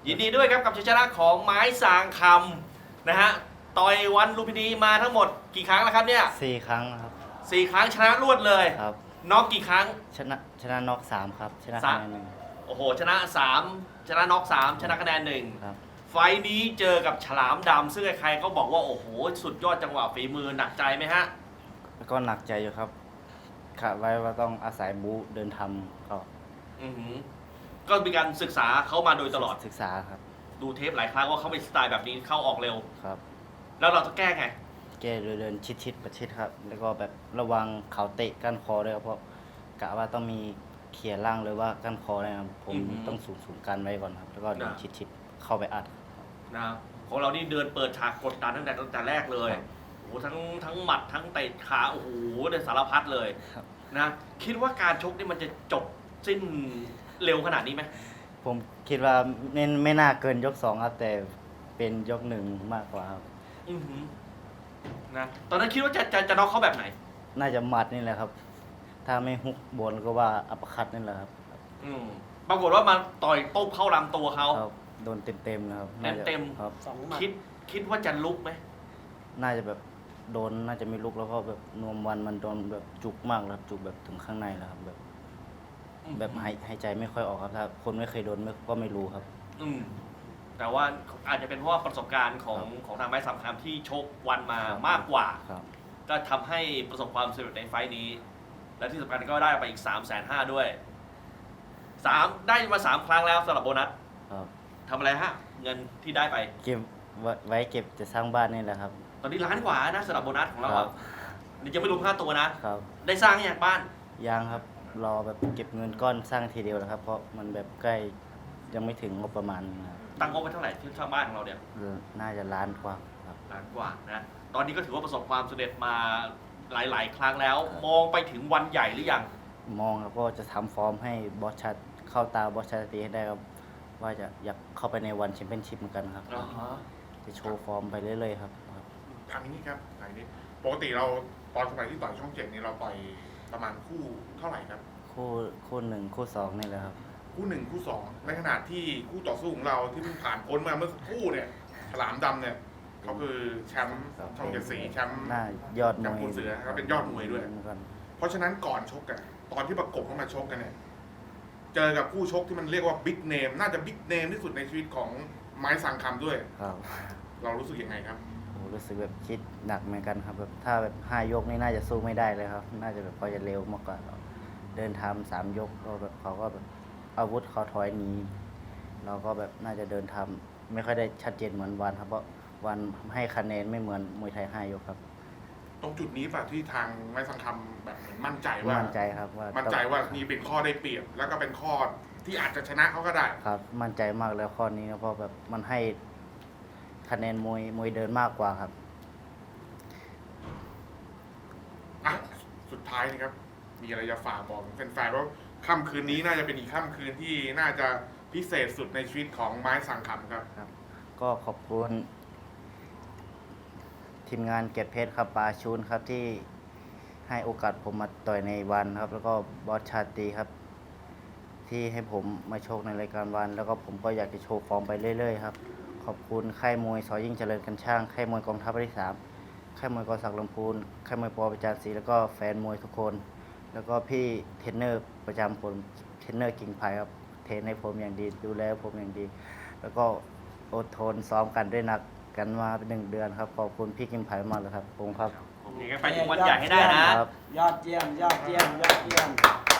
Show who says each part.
Speaker 1: ยินดีด้วยครับกับชัยชนะของไม้สางคำนะฮะต่อยวันลุมพินีมาทั้งหมดกี่ครั้งแล้วครับเนี่ย
Speaker 2: 4 ครั้งครับ
Speaker 1: 4 ครั้งชนะรวดเลย
Speaker 2: ครับ
Speaker 1: น็อกกี่ครั้ง
Speaker 2: ชนะน็อก3ครับชนะคะแนนหนึ่ง
Speaker 1: โอ้โหชนะ 3 ชนะน็อก3ชนะคะแนน1
Speaker 2: ครับ
Speaker 1: ไฟท์นี้เจอกับฉลามดำซึ่งใครๆก็บอกว่าโอ้โหสุดยอดจังหวะฝีมือหนักใจไหมฮะ
Speaker 2: แล้วก็หนักใจอยู่ครับคาดไว้ว่าต้องอาศัยบู๊เดินทำก็
Speaker 1: อือหือก็มีการศึกษาเขามาโดยตลอด
Speaker 2: ศึกษาครับ
Speaker 1: ดูเทปหลายครั้งว่าเขาเป็นสไตล์แบบนี้เข้าออกเร็ว
Speaker 2: ครับ
Speaker 1: แล้วเราจะแก้ไง
Speaker 2: แก้โดยเดินชิดประชิดครับ แล้วก็แบบระวังเขาเตะก้านคอด้วยครับเพราะกะว่าต้องมีเขี่ยล่างหรือว่าก้านคอนะครับผมต้องสูงกันไว้ก่อนครับ แล้วก็เดินชิดเข้าไปอัด
Speaker 1: นะของเรานี่เดินเปิดฉากกดดันตั้งแต่แรกเลย
Speaker 2: ครับ
Speaker 1: โอ้โหทั้งหมัดทั้งเตะขาโอ้โหเดินสารพัดเลย
Speaker 2: ครับ
Speaker 1: นะคิดว่าการชกนี่มันจะจบสิ้นเร็วขนาดนี้ไหม
Speaker 2: ผมคิดว่าไม่น่าเกินยก2ครับแต่เป็นยก1มากกว่าครับ
Speaker 1: อือหือนะตอนนั้นคิดว่าจะน็อกเขาแบบไหน
Speaker 2: น่าจะหมัดนี่แหละครับ ถ้าไม่ฮุกบนก็ว่าอัปเปอร์คัตนี่แหละครับ
Speaker 1: อืมปรากฏว่ามาต่อยโต้เข้าลำตัวเขา
Speaker 2: ครับโดนเต็มๆนะครับน่าจะ
Speaker 1: เต็ม
Speaker 2: ครับ
Speaker 3: 2 หมัด
Speaker 1: คิดว่าจะลุกไหม
Speaker 2: น่าจะแบบโดนน่าจะไม่ลุกแล้วก็แบบนวมวันมันโดนแบบจุกมากแล้วครับจุกแบบถึงข้างในแล้วครับแบบหายใจไม่ค่อยออกครับถ้าคนไม่เคยโดนก็ไม่รู้ครับ
Speaker 1: อืมแต่ว่าอาจจะเป็นเพราะว่าประสบการณ์ของทางไม้สามคำที่ชกวันมา
Speaker 2: ครับ
Speaker 1: มากกว่า
Speaker 2: ครับ
Speaker 1: ก็ทำให้ประสบความสำเร็จในไฟท์นี้ และที่สำคัญก็ได้ไปอีก 350,000ด้วยได้มา3 ครั้งแล้วสำหรับโบนัส
Speaker 2: ครับ
Speaker 1: ทำอะไรฮะ เงินที่ได้ไป
Speaker 2: เก็บไว้เก็บจะสร้างบ้านนี่แหละครับ
Speaker 1: ตอนนี้1,000,000 กว่านะสำหรับโบนัสของเรา
Speaker 2: ครั
Speaker 1: อะ
Speaker 2: บ
Speaker 1: นี่ยังไม่รวมค่าตัวนะ
Speaker 2: ครับ
Speaker 1: ได้สร้างอย่างบ้าน
Speaker 2: ยังครับรอแบบเก็บเงินก้อนสร้างทีเดียวนะครับ เพราะมันแบบใกล้ยังไม่ถึงงบประมาณนะครับ
Speaker 1: ตั้งงบไว้เท่าไหร่ที่สร้างบ้านของเราเนี่ย
Speaker 2: น่าจะล้านกว่าครับ
Speaker 1: ล้านกว่านะ ตอนนี้ก็ถือว่าประสบความสำเร็จมาหลาย ๆ ครั้งแล้ว มองไปถึงวันใหญ่หรือยัง
Speaker 2: มองครับก็จะทำฟอร์มให้บอสชัดเข้าตาบอสชัดตีให้ได้ครับว่าจะอยากเข้าไปในวันแชมเปี้ยนชิพเหมือนกันครับ จะโชว์ฟอร์มไปเรื่อยๆครับ
Speaker 4: ถามอย่างนี้ครับถามอย่างนี้ปกติเราตอนสมัยที่ต่อยช่อง7นี่เราต่อยประมาณคู่เท่าไหร่ครับ
Speaker 2: คู่หนึ่งคู่สองนี่แหละครับ
Speaker 4: คู่1คู่2ในขณะที่คู่ต่อสู้ของเราที่เพิ่งผ่านพ้นมาเมื่อสักครู่เนี่ยฉลามดำเนี่ยเขาคือแชมป์ช่องเจ็ดสีแชมป์
Speaker 2: น่ายอดม
Speaker 4: กับ
Speaker 2: วย
Speaker 4: คุณเสือครับเป็นยอดมวยด้วย
Speaker 2: เหมือนกัน
Speaker 4: เพราะฉะนั้นก่อนชกกันตอนที่ประกบเข้ามาชกกันเนี่ยเจอกับคู่ชกที่มันเรียกว่าบิ๊กเนมน่าจะบิ๊กเนมที่สุดในชีวิตของไม้สังคำด้วย
Speaker 2: ครับ
Speaker 4: เรารู้สึกยังไงครับ
Speaker 2: โอ้รู้สึกแบบคิดหนักเหมือนกันครับแบบถ้าแบบ5 ยกนี่น่าจะสู้ไม่ได้เลยครับ น่าจะแบบเขาจะเร็วมากกว่าเราเดินทำ3 ยกก็แบบเขาก็แบบอาวุธเขาถอยหนีเราก็แบบน่าจะเดินทำไม่ค่อยได้ชัดเจนเหมือนวันครับเพราะวันให้คะแนนไม่เหมือนมวยไทย5 ยกครับ
Speaker 4: ตรงจุดนี้ป่ะที่ทางไม้สังคำแบบเหมือนมั่นใจว่า
Speaker 2: มั่นใจครับว่า
Speaker 4: มั่นใจว่านี่เป็นข้อได้เปรียบ แล้วก็เป็นข้อที่อาจจะชนะเขาก็ได้
Speaker 2: ครับมั่นใจมากแล้วข้อนี้ครับเพราะแบบมันให้คะแนนมวยเดินมากกว่าครับ
Speaker 4: อ่ะ สุดท้ายนะครับ มีอะไรจะฝากบอกแฟนๆว่าค่ำคืนนี้น่าจะเป็นอีกค่ำคืนที่น่าจะพิเศษสุดในชีวิตของไม้สังคำครับ
Speaker 2: ก็ขอบคุณทีมงานเกียรติเพชรครับปาชูนครับที่ให้โอกาสผมมาต่อยในวันครับ แล้วก็บอสชาตรีครับ ที่ให้ผมมาโชคในรายการวัน แล้วก็ผมก็อยากจะโชว์ฟอร์มไปเรื่อยๆครับขอบคุณค่ายมวยสอยิ่งเจริญกันช่างค่ายมวยกองทัพภาคที่3ค่ายมวยกอศักดิ์ลำพูนค่ายมวยปอประจานศรีแล้วก็แฟนมวยทุกคน แล้วก็พี่เทรนเนอร์ประจำผมเทรนเนอร์กิ่งไผ่ครับเทรนให้ผมอย่างดีดูแลผมอย่างดี แล้วก็อดทนซ้อมกันด้วยหนักกันมาเป็น1 เดือนครับขอบคุณพี่กิ่งไผ่มากเลยครับผมครับ
Speaker 1: ผมยังไงไปถึงวันใหญ่ให้ได้นะ
Speaker 2: ครับ
Speaker 3: ยอดเยี่ยม ยอดเยี่ยม ยอดเยี่ยม